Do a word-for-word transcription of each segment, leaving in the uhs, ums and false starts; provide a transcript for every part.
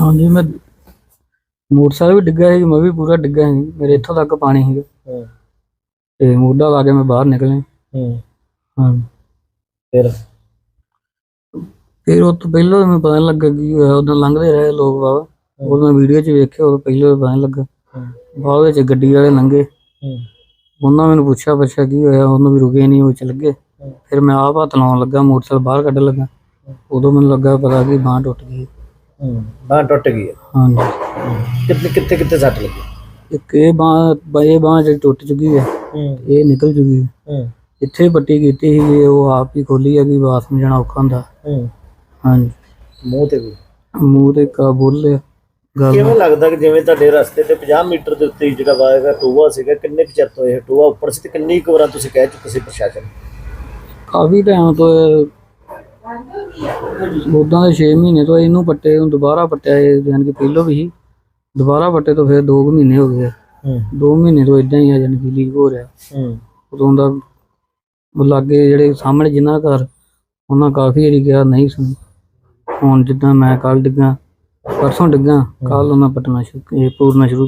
हाँ जी, मैं मोटरसाइकिल भी डिग्गा है, मैं भी पूरा डिग्गा है, मेरे इत्थों तक पानी है ते मोढा ला के मैं बाहर निकले। हाँ फिर फिर उस तो पहलों मैं पता नहीं लगा कि उधर लंघते रहे लोग बाबा, और मैं वीडियो च वेखे और पहलों पता नहीं लगा। बाद विच गड्डी वाले लंघे, उन्होंने मैंने पूछा पुछा की होया, उन्होंने भी रुके नहीं, वो चल गए। फिर मैं आप हत्थ लाउन लगा, मोटरसाइकिल बाहर कड्ढन लगा, उदों मैनूं लगा पता कि बांह टुट गई। बांह टुट गई है? हाँ जी। कितने कितने कितने सट लगी? एक ये बांह ये बांह जी टुट चुकी है, ये निकल चुकी है। इत्थे पट्टी कीती सी, वो आप ही खोली है कि बाथरूम जाना औखा हुंदा। हाँ जी। मूँह ते भी मूँह ते का बोलिया गल। ਕਿਵੇਂ ਲੱਗਦਾ ਕਿ ਜਿਵੇਂ ਤੁਹਾਡੇ ਰਸਤੇ ਤੇ ਪੰਜਾਹ ਮੀਟਰ ਦੇ ਉੱਤੇ ਜਿਹੜਾ ਵਾਏਗਾ ਟੋਆ ਸੀਗਾ, ਕਿੰਨੇ ਕੁ ਚਿਰ ਤੋਂ ਇਹ ਟੋਆ ਉੱਪਰ ਸੀ ਤੇ ਕਿੰਨੀ ਕੁ ਵਾਰਾਂ ਤੁਸੀਂ ਕਹਿ ਚੁੱਕੇ ਸੀ ਪ੍ਰਸ਼ਾਸਨ? ਕਾਫੀ ਟਾਈਮ ਤੋਂ ਉਦਾਂ ਦੇ ਛੇ ਮਹੀਨੇ ਤੋਂ ਇਹਨੂੰ ਪੱਟੇ ਨੂੰ ਦੁਬਾਰਾ ਪੱਟਿਆ, ਜਾਣੀ ਕਿ ਪਹਿਲੋਂ ਵੀ ਸੀ, ਦੁਬਾਰਾ ਪੱਟੇ ਤੋਂ ਫਿਰ ਦੋ ਕੁ ਮਹੀਨੇ ਹੋ ਗਏ। ਦੋ ਮਹੀਨੇ ਤੋਂ ਇਦਾਂ ਹੀ ਆ, ਜਾਣੀ ਕਿ ਲੀਕ ਹੋ ਰਿਹਾ। ਉਦੋਂ ਦਾ ਲਾਗੇ ਜਿਹੜੇ ਸਾਹਮਣੇ ਜਿਨ੍ਹਾਂ ਦਾ ਘਰ, ਉਹਨਾਂ ਕਾਫੀ ਵਾਰੀ ਕਿਹਾ ਨਹੀਂ ਸੁਣੀ। ਹੁਣ ਜਿੱਦਾਂ ਮੈਂ ਕੱਲ ਡਿੱਗਾ, परसों डिग्गा, कल मैं पटना शुरू पूरना शुरू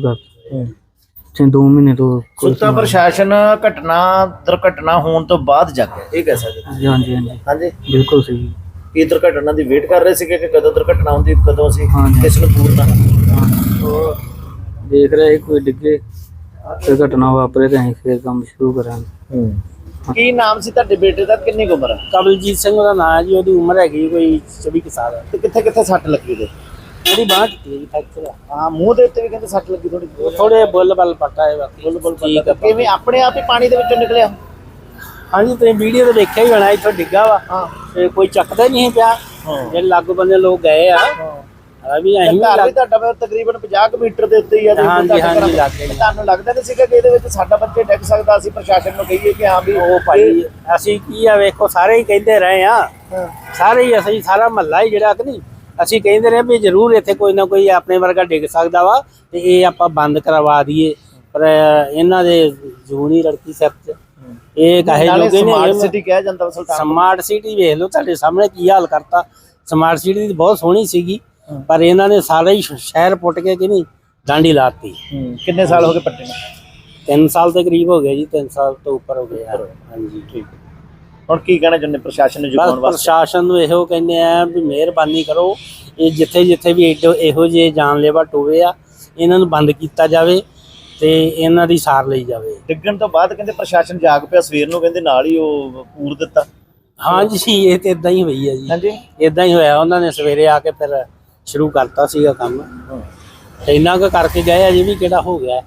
कर दो महीने तो। सुता प्रशासन घटना दुर्घटना होने तो बाद जाके ये कह सकते? हाँ जी हाँ जी हाँ जी बिल्कुल सही। की दुर्घटना की वेट कर रहे थे कि कदों दुर्घटना होती कदों सी? हाँ जी किस नूं पूरना तो देख रहे कोई डिगे फिर घटना वापरे तो अं फिर काम शुरू करांगे। की नाम से ਤੁਹਾਡੇ ਬੇਟੇ ਦਾ, ਕਿੰਨੀ ਕੁ ਉਮਰ ਹੈ? ਕਮਲਜੀਤ ਸਿੰਘ ਦਾ ਨਾਮ ਹੈ ਜੀ, ਉਹਦੀ ਉਮਰ ਹੈਗੀ ਕੋਈ ਚੌਵੀ ਕੁ ਸਾਲ ਹੈ। ਤੇ ਕਿੱਥੇ ਕਿੱਥੇ ਸੱਟ ਲੱਗੀ ਤੇ? ਉਹਦੀ ਬਾਂਹ ਟੁੱਟੀ ਜੀ, ਫ੍ਰੈਕਚਰ ਆ। ਹਾਂ, ਮੂੰਹ ਦੇ ਉੱਤੇ ਵੀ ਕਹਿੰਦੇ ਸੱਟ ਲੱਗੀ ਥੋੜੀ ਥੋੜੇ ਬੁੱਲ ਬੱਲ ਪੱਟਾ ਹੈ, ਬਾਕੀ ਬੁੱਲ ਬੁੱਲ ਪੱਟਾ। ਕਿਵੇਂ ਆਪਣੇ ਆਪ ਹੀ ਪਾਣੀ ਦੇ ਵਿੱਚੋਂ ਨਿਕਲਿਆ? ਹਾਂਜੀ, ਤੁਸੀਂ ਵੀਡੀਓ ਤੇ ਦੇਖਿਆ ਹੀ ਹੋਣਾ, ਇੱਥੋਂ ਡਿੱਗਾ ਵਾ। ਹਾਂ, ਤੇ ਕੋਈ ਚੱਕਦਾ ਨਹੀਂ ਪਿਆ। ਜਿਹੜੇ ਲਾਗੂ ਬੰਦੇ ਲੋਕ ਗਏ ਆ, ਆ ਵੀ ਅਸੀਂ ਵੀ ਘਰ ਵੀ ਤੁਹਾਡਾ ਤਕਰੀਬਨ ਪੰਜਾਹ ਕੁ ਮੀਟਰ ਦੇ ਉੱਤੇ ਹੀ ਆ। ਹਾਂਜੀ ਹਾਂਜੀ ਲੱਗੇ। ਤੁਹਾਨੂੰ ਲੱਗਦਾ ਨਹੀਂ ਸੀਗਾ ਕਿ ਇਹਦੇ ਵਿੱਚ ਸਾਡਾ ਬੱਚੇ ਡਿੱਗ ਸਕਦਾ? ਅਸੀਂ ਪ੍ਰਸ਼ਾਸਨ ਨੂੰ ਕਹੀਏ ਕਿ ਹਾਂ ਵੀ ਉਹ ਭਾਈ ਅਸੀਂ ਕੀ ਆ, ਵੇਖੋ ਸਾਰੇ ਹੀ ਕਹਿੰਦੇ ਰਹੇ ਆ, ਸਾਰੇ ਹੀ ਅਸੀਂ ਸਾਰਾ ਮਹੱਲਾ ਹੀ ਜਿਹੜਾ ਕਿ ਨਹੀਂ, ਅਸੀਂ ਕਹਿੰਦੇ ਰਹੇ ਵੀ ਜ਼ਰੂਰ ਇੱਥੇ ਕੋਈ ਨਾ ਕੋਈ ਆਪਣੇ ਵਰਗਾ ਡਿੱਗ ਸਕਦਾ ਵਾ ਤੇ ਇਹ ਆਪਾਂ ਬੰਦ ਕਰਵਾ ਦਈਏ, ਪਰ ਇਹਨਾਂ ਦੇ ਜੂਨੀ ਲੜਕੀ ਸਿਰ 'ਚ ਇਹ ਕਹੇ ਜੋਗੇ ਨੇ। ਸਮਾਰਟ ਸਿਟੀ ਕਿਹਾ ਜਾਂਦਾ ਸੁਲਤਾਨ। ਸਮਾਰਟ ਸਿਟੀ ਵੇਖ ਲਓ, ਤੁਹਾਡੇ ਸਾਹਮਣੇ ਕੀ ਹਾਲ ਕਰਤਾ। ਸਮਾਰਟ ਸਿਟੀ ਦੀ ਬਹੁਤ ਸੋਹਣੀ ਸੀਗੀ, ਪਰ ਇਹਨਾਂ ਨੇ ਸਾਰਾ ਹੀ ਸ਼ਹਿਰ ਪੁੱਟ ਕੇ ਕਿ ਨਹੀਂ ਡਾਂਡੀ ਲਾਤੀ। ਕਿੰਨੇ ਸਾਲ ਹੋ ਗਏ ਪੱਟੇ ਨੂੰ? ਤਿੰਨ ਸਾਲ ਦੇ ਕਰੀਬ ਹੋ ਗਏ ਜੀ, ਤਿੰਨ ਸਾਲ ਤੋਂ ਉੱਪਰ ਹੋ ਗਏ। ਹਾਂਜੀ ਠੀਕ ਹੈ। ਹੁਣ ਕੀ ਕਹਿਣਾ ਚਾਹੁੰਦੇ ਪ੍ਰਸ਼ਾਸਨ ਨੂੰ ਜਗਾਉਣ ਵਾਸਤੇ? ਪ੍ਰਸ਼ਾਸਨ ਨੂੰ ਇਹੋ ਕਹਿੰਦੇ ਆ ਵੀ ਮਿਹਰਬਾਨੀ ਕਰੋ, ਇਹ ਜਿੱਥੇ ਜਿੱਥੇ ਵੀ ਇਹੋ ਜਿਹੇ ਜਾਨਲੇਵਾ ਟੋਏ ਆ, ਇਹਨਾਂ ਨੂੰ ਬੰਦ ਕੀਤਾ ਜਾਵੇ ਤੇ ਇਹਨਾਂ ਦੀ ਸਾਰ ਲਈ ਜਾਵੇ। ਡਿੱਗਣ ਤੋਂ ਬਾਅਦ ਕਹਿੰਦੇ ਪ੍ਰਸ਼ਾਸਨ ਜਾਗ ਪਿਆ, ਸਵੇਰ ਨੂੰ ਕਹਿੰਦੇ ਨਾਲ ਹੀ ਉਹ ਪੂਰ ਦਿੱਤਾ। ਹਾਂਜੀ, ਇਹ ਤੇ ਇਦਾਂ ਹੀ ਹੋਈ ਹੈ ਜੀ। ਹਾਂਜੀ, ਇਦਾਂ ਹੀ ਹੋਇਆ। ਉਹਨਾਂ ਨੇ ਸਵੇਰੇ ਆ ਕੇ ਫਿਰ ਸ਼ੁਰੂ ਕਰਤਾ ਸੀਗਾ ਕੰਮ, ਤੇ ਇੰਨਾ ਕੁ ਕਰਕੇ ਗਏ, ਅਜੇ ਵੀ ਕਿਹੜਾ ਹੋ ਗਿਆ।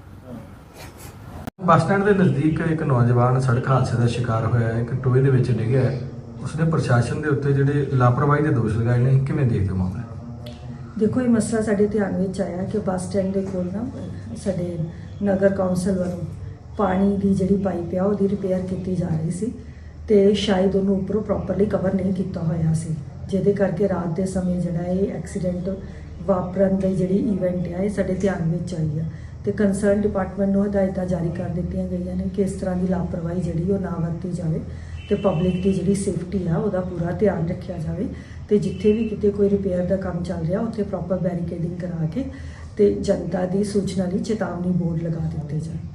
ਬੱਸ ਸਟੈਂਡ ਦੇ ਨਜ਼ਦੀਕ ਇੱਕ ਨੌਜਵਾਨ ਸੜਕ ਹਾਦਸੇ ਦਾ ਸ਼ਿਕਾਰ ਹੋਇਆ ਹੈ, ਇੱਕ ਟੋਏ ਦੇ ਵਿੱਚ ਡਿੱਗਿਆ ਹੈ। ਉਸਨੇ ਪ੍ਰਸ਼ਾਸਨ ਦੇ ਉੱਤੇ ਜਿਹੜੇ ਲਾਪਰਵਾਹੀ ਦੇ ਦੋਸ਼ ਲਗਾਏ ਨੇ, ਕਿਵੇਂ ਦੇਖਦੇ ਹੋ ਮਾਮਲਾ? ਦੇਖੋ, ਇਹ ਮਸਲਾ ਸਾਡੇ ਧਿਆਨ ਵਿੱਚ ਆਇਆ ਕਿ ਬੱਸ ਸਟੈਂਡ ਦੇ ਕੋਲ ਨਾ ਸਾਡੇ ਨਗਰ ਕੌਂਸਲ ਵੱਲੋਂ ਪਾਣੀ ਦੀ ਜਿਹੜੀ ਪਾਈਪ ਆ ਉਹਦੀ ਰਿਪੇਅਰ ਕੀਤੀ ਜਾ ਰਹੀ ਸੀ, ਤੇ ਸ਼ਾਇਦ ਉਹਨੂੰ ਉੱਪਰੋਂ ਪ੍ਰੋਪਰਲੀ ਕਵਰ ਨਹੀਂ ਕੀਤਾ ਹੋਇਆ ਸੀ, ਜਿਹਦੇ ਕਰਕੇ ਰਾਤ ਦੇ ਸਮੇਂ ਜਿਹੜਾ ਇਹ ਐਕਸੀਡੈਂਟ ਵਾਪਰਨ ਦੀ ਜਿਹੜੀ ਇਵੈਂਟ ਆ ਇਹ ਸਾਡੇ ਧਿਆਨ ਵਿੱਚ ਆਈ ਆ। ਤੇ ਕੰਸਰਨ ਡਿਪਾਰਟਮੈਂਟ ਨੂੰ ਹਦਾਇਤਾਂ ਜਾਰੀ ਕਰ ਦਿੱਤੀਆਂ ਗਈਆਂ ਨੇ ਕਿ ਇਸ ਤਰ੍ਹਾਂ ਦੀ ਲਾਪਰਵਾਹੀ ਜਿਹੜੀ ਉਹ ਨਾ ਵਰਤੀ ਜਾਵੇ, ਤੇ ਪਬਲਿਕ ਦੀ ਜਿਹੜੀ ਸੇਫਟੀ ਆ ਉਹਦਾ ਪੂਰਾ ਧਿਆਨ ਰੱਖਿਆ ਜਾਵੇ, ਤੇ ਜਿੱਥੇ ਵੀ ਕਿਤੇ ਕੋਈ ਰਿਪੇਅਰ ਦਾ ਕੰਮ ਚੱਲ ਰਿਹਾ ਉੱਥੇ ਪ੍ਰੋਪਰ ਬੈਰੀਕੇਡਿੰਗ ਕਰਾ ਕੇ ਤੇ ਜਨਤਾ ਦੀ ਸੂਚਨਾ ਲਈ ਚੇਤਾਵਨੀ ਬੋਰਡ ਲਗਾ ਦਿੱਤੇ ਜਾਣ।